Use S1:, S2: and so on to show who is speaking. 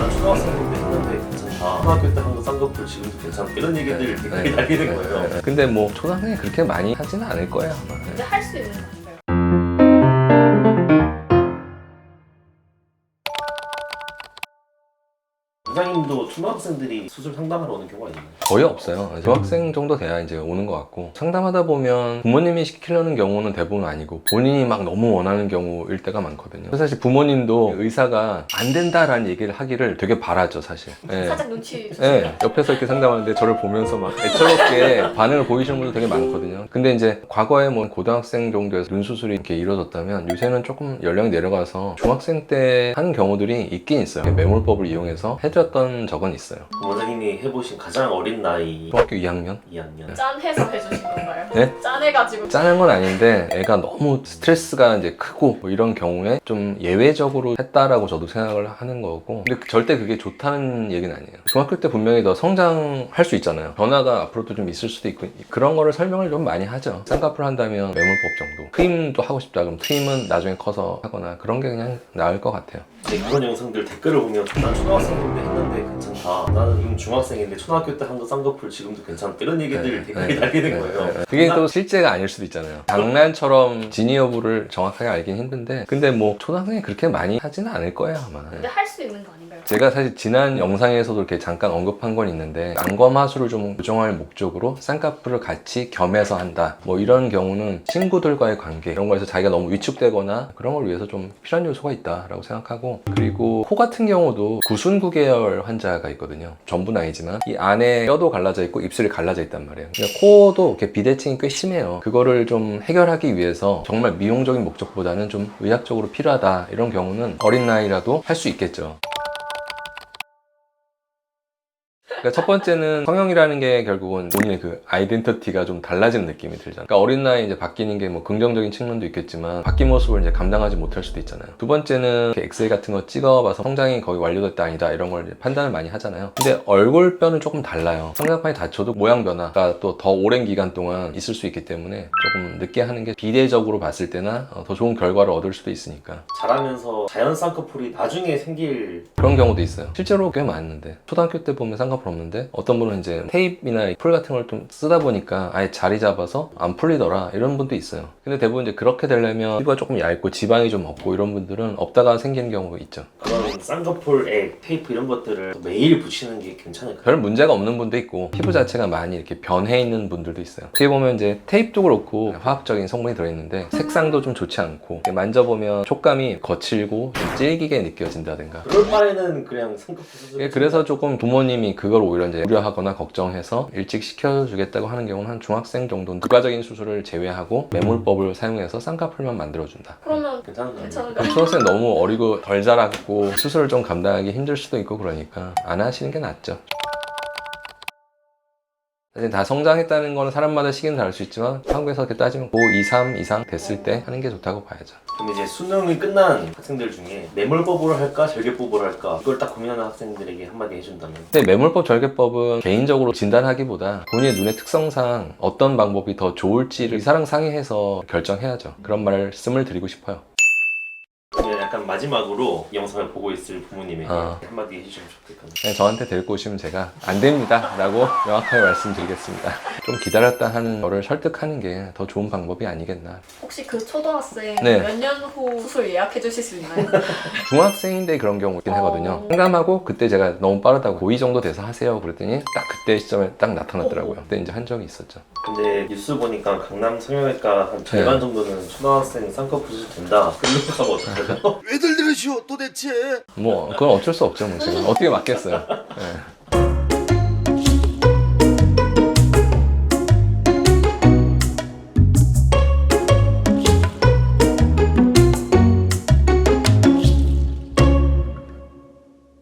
S1: 난 초등학생 때 했는데 괜찮다. 초등학교 때 한 거 쌍꺼풀 지금도 괜찮다. 이런 얘기들 댓글이 달리는 거예요.
S2: 근데 뭐 초등학생이 그렇게 많이 하지는 않을 거예요 아마.
S3: 근데 할 수 있는 거 아닌가요?
S1: 원장님도 초등학생들이 수술 상담하러 오는 경우가 있나요?
S2: 거의 없어요. 중학생 정도 돼야 이제 오는 것 같고, 상담하다 보면 부모님이 시키려는 경우는 대부분 아니고 본인이 막 너무 원하는 경우일 때가 많거든요. 그래서 사실 부모님도 의사가 안 된다라는 얘기를 하기를 되게 바라죠 사실. 네.
S3: 살짝 눈치
S2: 네, 옆에서 이렇게 상담하는데 저를 보면서 막 애처롭게 반응을 보이시는 분들 되게 많거든요. 근데 이제 과거에 뭐 고등학생 정도에서 눈 수술이 이렇게 이루어졌다면 요새는 조금 연령이 내려가서 중학생 때 하는 경우들이 있긴 있어요. 매몰법을 이용해서 해드렸던 적은 있어요.
S1: 원장님이 해보신 가장 어린 나이
S2: 중학교 2학년?
S1: 2학년.
S3: 짠해서 해주신 건가요?
S2: 네?
S3: 짠해가지고
S2: 짜는 건 아닌데 애가 너무 스트레스가 이제 크고 뭐 이런 경우에 좀 예외적으로 했다라고 저도 생각을 하는 거고, 근데 절대 그게 좋다는 얘기는 아니에요. 중학교 때 분명히 더 성장할 수 있잖아요. 변화가 앞으로도 좀 있을 수도 있고, 그런 거를 설명을 좀 많이 하죠. 쌍꺼풀 한다면 매몰법 정도, 트임도 하고 싶다 그럼 트임은 나중에 커서 하거나 그런 게 그냥 나을 것 같아요.
S1: 그런 영상들 댓글을 보면 난 초등학생인데 했는데 괜찮다. 나는 지금 중학생인데 초등학교 때 한 거 쌍꺼풀 지금도 괜찮다. 이런 얘기들 댓글이 달리는 거예요.
S2: 그게 또 실제가 아닐 수도 있잖아요. 장난처럼 진위 여부를 정확하게 알긴 힘든데, 근데 뭐 초등학생이 그렇게 많이 하지는 않을 거예요 아마.
S3: 근데 할 수 있는 거 아닌가요?
S2: 제가 사실 지난 영상에서도 이렇게 잠깐 언급한 건 있는데, 안검하수를 좀 교정할 목적으로 쌍꺼풀을 같이 겸해서 한다 뭐 이런 경우는 친구들과의 관계 이런 거에서 자기가 너무 위축되거나 그런 걸 위해서 좀 필요한 요소가 있다라고 생각하고, 그리고 코 같은 경우도 구순구 계열 환자가 있거든요. 전부는 아니지만 이 안에 뼈도 갈라져 있고 입술이 갈라져 있단 말이에요. 그러니까 코도 이렇게 비대칭이 꽤 심해요. 그거를 좀 해결하기 위해서 정말 미용적인 목적보다는 좀 의학적으로 필요하다 이런 경우는 어린 나이라도 할 수 있겠죠. 그러니까 첫 번째는 성형이라는 게 결국은 본인의 그 아이덴티티가 좀 달라지는 느낌이 들잖아요. 그러니까 어린 나이에 이제 바뀌는 게 뭐 긍정적인 측면도 있겠지만 바뀐 모습을 이제 감당하지 못할 수도 있잖아요. 두 번째는 엑스레이 같은 거 찍어봐서 성장이 거의 완료됐다 아니다 이런 걸 이제 판단을 많이 하잖아요. 근데 얼굴뼈는 조금 달라요. 성장판이 다쳐도 모양 변화가 또 더 오랜 기간 동안 있을 수 있기 때문에 조금 늦게 하는 게 비례적으로 봤을 때나 더 좋은 결과를 얻을 수도 있으니까.
S1: 자라면서 자연 쌍꺼풀이 나중에 생길
S2: 그런 경우도 있어요. 실제로 꽤 많은데 초등학교 때 보면 쌍꺼풀 없는데 어떤 분은 이제 테이프나 풀 같은 걸 좀 쓰다 보니까 아예 자리 잡아서 안 풀리더라 이런 분도 있어요. 근데 대부분 이제 그렇게 되려면 피부가 조금 얇고 지방이 좀 없고 이런 분들은 없다가 생기는 경우가 있죠.
S1: 그런 쌍꺼풀에 테이프 이런 것들을 매일 붙이는 게 괜찮을까요?
S2: 별 문제가 없는 분도 있고 피부 자체가 많이 이렇게 변해 있는 분들도 있어요. 어떻게 보면 이제 테이프도 그렇고 화학적인 성분이 들어있는데 색상도 좀 좋지 않고 만져보면 촉감이 거칠고 좀 질기게 느껴진다든가.
S1: 그럴 바에는 그냥 쌍꺼풀 수술.
S2: 그래서 조금 부모님이 그걸 오히려 이제 우려하거나 걱정해서 일찍 시켜주겠다고 하는 경우는 한 중학생 정도는 부가적인 수술을 제외하고 매몰법을 사용해서 쌍꺼풀만 만들어준다.
S3: 그러면
S1: 괜찮은 거 아니에요?
S3: 괜찮은가요?
S2: 초등학생 너무 어리고 덜 자랐고 수술을 좀 감당하기 힘들 수도 있고 그러니까 안 하시는 게 낫죠. 사실 다 성장했다는 거는 사람마다 시기는 다를 수 있지만 한국에서 이렇게 따지면 고2, 3 이상 됐을 때 하는 게 좋다고 봐야죠.
S1: 그럼 이제 수능이 끝난 학생들 중에 매몰법으로 할까 절개법으로 할까 이걸 딱 고민하는 학생들에게 한마디 해준다면?
S2: 근데 매몰법, 절개법은 개인적으로 진단하기보다 본인의 눈의 특성상 어떤 방법이 더 좋을지를 의사랑 상의해서 결정해야죠. 그런 말씀을 드리고 싶어요.
S1: 그러면 약간 마지막으로 이 영상을 보고 있을 부모님에게 한마디 해주시면 좋겠거든요.
S2: 그냥 저한테 데리고 오시면 제가 안 됩니다 라고 명확하게 말씀드리겠습니다. 좀 기다렸다 하는 거를 설득하는 게 더 좋은 방법이 아니겠나.
S3: 혹시 그 초등학생
S2: 네.
S3: 몇 년 후 수술 예약해 주실 수 있나요?
S2: 중학생인데 그런 경우 있긴 하거든요. 상담하고 그때 제가 너무 빠르다고 고2 정도 돼서 하세요 그랬더니 딱 그때 시점에 딱 나타났더라고요. 그때 이제 한 적이 있었죠.
S1: 근데 뉴스 보니까 강남 성형외과 한 절반 정도는 초등학생 쌍꺼풀 수술 된다. 그런 거 가면 어떡하죠?
S4: 왜들 들으시오 도대체?
S2: 뭐 그건 어쩔 수 없죠. 뭐 제가 어떻게 맞겠어요. 네.